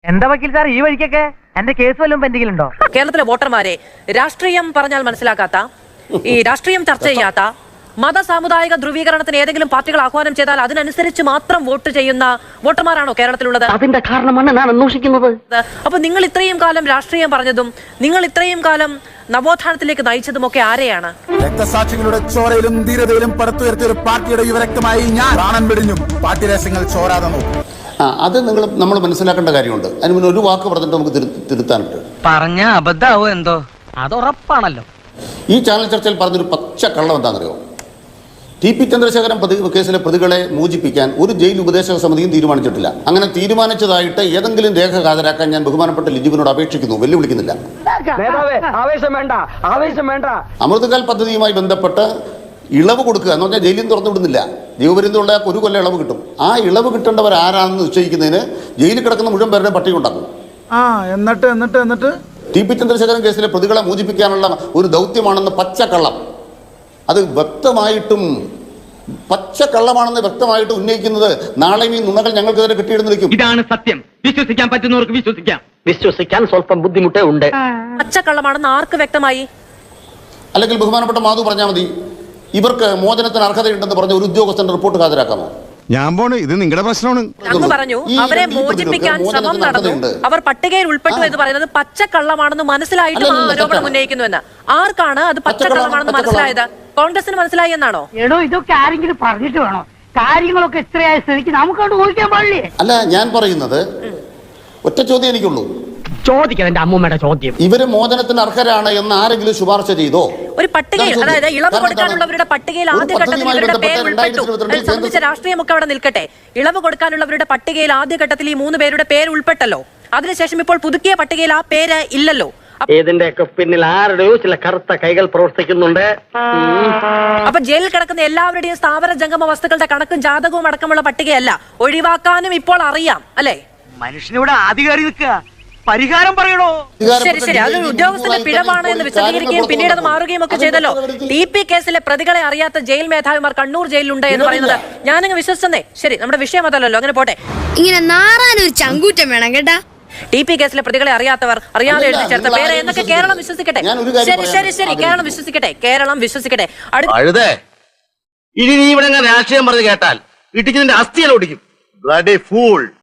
എന്താ വക്കീൽ സാർ ഈ വഴിക്കൊക്കെ എന്റെ കേസ് വല്ലതും പെൻഡിങ്ങിലുണ്ടോ? കേരളത്തിലെ വോട്ടർമാരെ രാഷ്ട്രീയം പറഞ്ഞാൽ മനസ്സിലാക്കാത്ത, ഈ രാഷ്ട്രീയം ചർച്ച ചെയ്യാത്ത, മത സാമുദായിക ധ്രുവീകരണത്തിന് ഏതെങ്കിലും പാർട്ടികൾ ആഹ്വാനം ചെയ്താൽ അതിനനുസരിച്ച് മാത്രം വോട്ട് ചെയ്യുന്ന വോട്ടർമാരാണോ കേരളത്തിലുള്ളത്? അതിന്റെ കാരണമാണ് ഞാൻ അന്വേഷിക്കുന്നത്. അപ്പൊ നിങ്ങൾ ഇത്രയും കാലം രാഷ്ട്രീയം പറഞ്ഞതും നിങ്ങൾ ഇത്രയും കാലം നവോത്ഥാനത്തിലേക്ക് നയിച്ചതും ഒക്കെ ആരെയാണ്? രക്തസാക്ഷികളുടെ ചോരയിലും ധീരതയിലും പടുത്തുയർത്തിയ ഒരു പാർട്ടിയുടെ യുവരക്തമായി ഞാൻ പ്രാണൻ വെടിഞ്ഞും പാർട്ടി രഹസ്യങ്ങൾ ചോരാതെ നോക്കും. അത് നമ്മൾ മനസ്സിലാക്കേണ്ട കാര്യമുണ്ട്. അതിന് മുന്നേ ഒരു വാക്ക് പറഞ്ഞിട്ട് നമുക്ക് തിരുത്താനുണ്ട്. പറഞ്ഞ അബദ്ധാവോ എന്തോ? അത് ഉറപ്പാണല്ലോ. ഈ ചാനൽ ചർച്ചയിൽ പറഞ്ഞൊരു പച്ച കള്ളം എന്താണെന്നറിയോ? ടി പി ചന്ദ്രശേഖരൻ കേസിലെ പ്രതികളെ മോചിപ്പിക്കാൻ ഒരു ജയിൽ ഉപദേശക സമിതിയും തീരുമാനിച്ചിട്ടില്ല. അങ്ങനെ തീരുമാനിച്ചതായിട്ട് ഏതെങ്കിലും രേഖ ഹാജരാക്കാൻ ഞാൻ ബഹുമാനപ്പെട്ട ലിജുവിനോട് അപേക്ഷിക്കുന്നു, വെല്ലുവിളിക്കുന്നില്ല. അമൃതകാൽ പദ്ധതിയുമായി ബന്ധപ്പെട്ട് ഇളവ് കൊടുക്കുക എന്ന് പറഞ്ഞാൽ ജയിലിൽ നിന്ന് തുറന്നു വിടുന്നില്ല. ജീവപര്യന്തമുള്ള ഒരു കൊല്ലം ഇളവ് കിട്ടും. ആ ഇളവ് കിട്ടേണ്ടവർ ആരാണെന്ന് നിശ്ചയിക്കുന്നതിന് ജയിലിൽ കിടക്കുന്ന മുഴുവൻ പേരുടെ പട്ടിക ഉണ്ടാക്കും. എന്നിട്ട് ടി പി ചന്ദ്രശേഖരൻ കേസിലെ പ്രതികളെ മോചിപ്പിക്കാനുള്ള ഒരു ദൗത്യമാണെന്ന് പച്ചക്കള്ളം, അത് വ്യക്തമായിട്ടും പച്ചക്കള്ളമാണെന്ന് വ്യക്തമായിട്ട് ഉന്നയിക്കുന്നത് നാളെ ഈ നുണകൾ ഞങ്ങൾക്കെതിരെ കിട്ടിയിടുന്ന് വയ്ക്കും. ഇതാണ് സത്യം. വിശ്വസിക്കാൻ പറ്റുന്നവർക്ക് വിശ്വസിക്കാം. വിശ്വസിക്കാൻ സ്വല്പം ബുദ്ധിമുട്ടേ ഉണ്ട്. പച്ചക്കള്ളമാണെന്ന് ആർക്ക് വ്യക്തമായി? അല്ലെങ്കിൽ ബഹുമാനപ്പെട്ട മാധു പറഞ്ഞാൽ മതി, ഇവർക്ക് മോചനത്തിന് അർഹതയുണ്ടെന്ന് പറഞ്ഞ ഒരു ഉദ്യോഗസ്ഥന്റെ റിപ്പോർട്ട് ഹാജരാക്കാമോ? ഞാൻ പോണ്, ഇത് നിങ്ങളുടെ പ്രശ്നമാണ്. അങ്ങ് പറഞ്ഞു അവരെ മോചിപ്പിക്കാൻ ശ്രമം നടന്നു, അവർ പട്ടികയിൽ ഉൾപ്പെട്ടു എന്ന് പറയുന്നത് പച്ചക്കള്ളമാണെന്ന് മനസ്സിലായിട്ടും ആരോപണം ഉന്നയിക്കുന്നു എന്ന്. ആർക്കാണ് അത് പച്ചക്കള്ളമാണെന്ന് മനസ്സിലായത്? കോൺഗ്രസിന് മനസ്സിലായി എന്നാണോ? എടോ, ഇതൊക്കെ ആരെങ്കിലും പറഞ്ഞിട്ട് വേണോ? കാര്യങ്ങളൊക്കെ ഇത്രയായ സ്ഥിതിക്ക് നമുക്കവിടെ ഊഹിക്കാൻ പാടില്ലേ? അല്ല, ഞാൻ പറയുന്നത് ഒറ്റ ചോദ്യം എനിക്കുള്ളൂ. ചോദിക്കണം എന്റെ അമ്മൂമ്മയുടെ ചോദ്യം. ഇവര് മോചനത്തിന് അർഹരാണ് എന്ന് ആരെങ്കിലും ശുപാർശ ചെയ്തോ? ഒരു പട്ടികയിൽ, അതായത് ഇളവ് കൊടുക്കാനുള്ളവരുടെ പട്ടികയിൽ ആദ്യഘട്ടത്തിൽ ഇവരുടെ പേര് ഉൾപ്പെട്ടു. അതിൽ സംബന്ധിച്ച രാഷ്ട്രീയമൊക്കെ അവിടെ നിൽക്കട്ടെ. ഇളവ് കൊടുക്കാനുള്ളവരുടെ പട്ടികയിൽ ആദ്യഘട്ടത്തിൽ ഈ 3 പേരുടെ പേര് ഉൾപ്പെട്ടല്ലോ. അതിനുശേഷം ഇപ്പോൾ പുതുക്കിയ പട്ടികയിൽ ആ പേര് ഇല്ലല്ലോ. ഇതിന്റെയൊക്കെ പിന്നിൽ ആരുടെയോ ചില കറുത്ത കൈകൾ പ്രവർത്തിക്കുന്നുണ്ട്. അപ്പൊ ജയിലിൽ കിടക്കുന്ന എല്ലാവരുടെയും സ്ഥാവര ജംഗമ വസ്തുക്കളുടെ കണക്കും ജാതകവും അടക്കമുള്ള പട്ടികയല്ല, ഒഴിവാക്കാനും ഇപ്പോൾ അറിയാം അല്ലേ? മനുഷ്യനിവിടെ ആധികാരി നിൽക്കുക, പരിഹാരം പറയണോ? ശരി, അതൊരു ഉദ്യോഗസ്ഥന്റെ പിഴവാണ് എന്ന് വിശദീകരിക്കുകയും പിന്നീട് അത് മാറുകയും ഒക്കെ ചെയ്തല്ലോ. ടി പി കേസിലെ പ്രതികളെ അറിയാത്ത ജയിൽ മേധാവിമാർ കണ്ണൂർ ജയിലിലുണ്ട് എന്ന് പറയുന്നത് ഞാനങ്ങ് വിശ്വസിച്ചെന്നേ. ശരി, നമ്മുടെ വിഷയം അതല്ലല്ലോ, അങ്ങനെ പോട്ടെ. ഇങ്ങനെ നാറാനൊരു ചങ്കൂറ്റം വേണം കേട്ടാ. ടി പി കേസിലെ പ്രതികളെ അറിയാത്തവർ, അറിയാതെ എഴുതി ചേർത്ത പേര് എന്നൊക്കെ കേരളം വിശ്വസിക്കട്ടെ. ശരി, കേരളം വിശ്വസിക്കട്ടെ, കേരളം വിശ്വസിക്കട്ടെ. ഇനി നീ ഇവിടെ രാഷ്ട്രീയം പറഞ്ഞു കേട്ടാൽ ഇടിക്കുന്നതിന്റെ അസ്ഥിയല്ല ഒടിക്കും.